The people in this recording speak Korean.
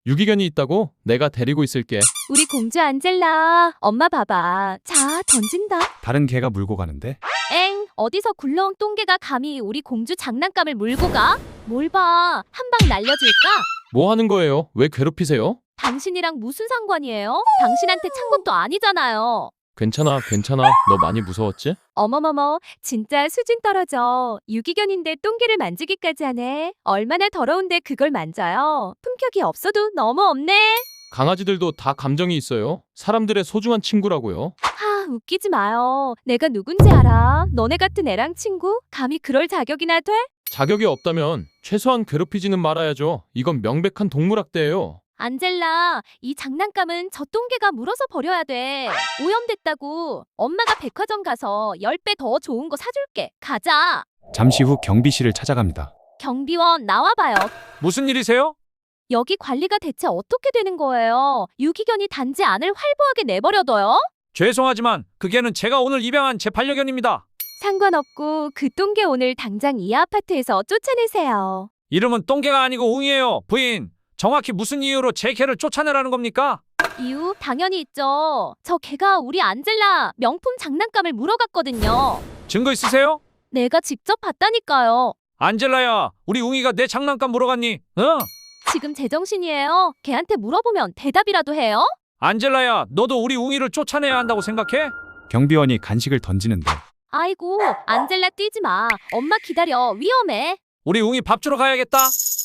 유기견이 있다고? 내가 데리고 있을게. 우리 공주 안젤라. 엄마 봐봐. 자, 던진다. 다른 개가 물고 가는데 엥, 어디서 굴러온 똥개가 감히 우리 공주 장난감을 물고 가? 뭘 봐. 한 방 날려줄까? 뭐 하는 거예요? 왜 괴롭히세요? 당신이랑 무슨 상관이에요? 당신한테 찬 것도 아니잖아요. 괜찮아, 괜찮아. 너 많이 무서웠지? 어머머머, 진짜 수준 떨어져. 유기견인데 똥개를 만지기까지 하네. 얼마나 더러운데 그걸 만져요. 품격이 없어도 너무 없네. 강아지들도 다 감정이 있어요. 사람들의 소중한 친구라고요. 하, 웃기지 마요. 내가 누군지 알아. 너네 같은 애랑 친구? 감히 그럴 자격이나 돼? 자격이 없다면 최소한 괴롭히지는 말아야죠. 이건 명백한 동물학대예요. 안젤라, 이 장난감은 저 똥개가 물어서 버려야 돼. 오염됐다고. 엄마가 백화점 가서 10배 더 좋은 거 사줄게. 가자. 잠시 후 경비실을 찾아갑니다. 경비원 나와봐요. 무슨 일이세요? 여기 관리가 대체 어떻게 되는 거예요? 유기견이 단지 안을 활보하게 내버려둬요? 죄송하지만 그 개는 제가 오늘 입양한 제 반려견입니다. 상관없고 그 똥개 오늘 당장 이 아파트에서 쫓아내세요. 이름은 똥개가 아니고 웅이에요. 부인, 정확히 무슨 이유로 제 개를 쫓아내라는 겁니까? 이유 당연히 있죠. 저 개가 우리 안젤라 명품 장난감을 물어갔거든요. 증거 있으세요? 내가 직접 봤다니까요. 안젤라야, 우리 웅이가 내 장난감 물어갔니? 지금 제정신이에요. 걔한테 물어보면 대답이라도 해요? 안젤라야, 너도 우리 웅이를 쫓아내야 한다고 생각해? 경비원이 간식을 던지는데 아이고, 안젤라 뛰지 마. 엄마 기다려. 위험해. 우리 웅이 밥 주러 가야겠다.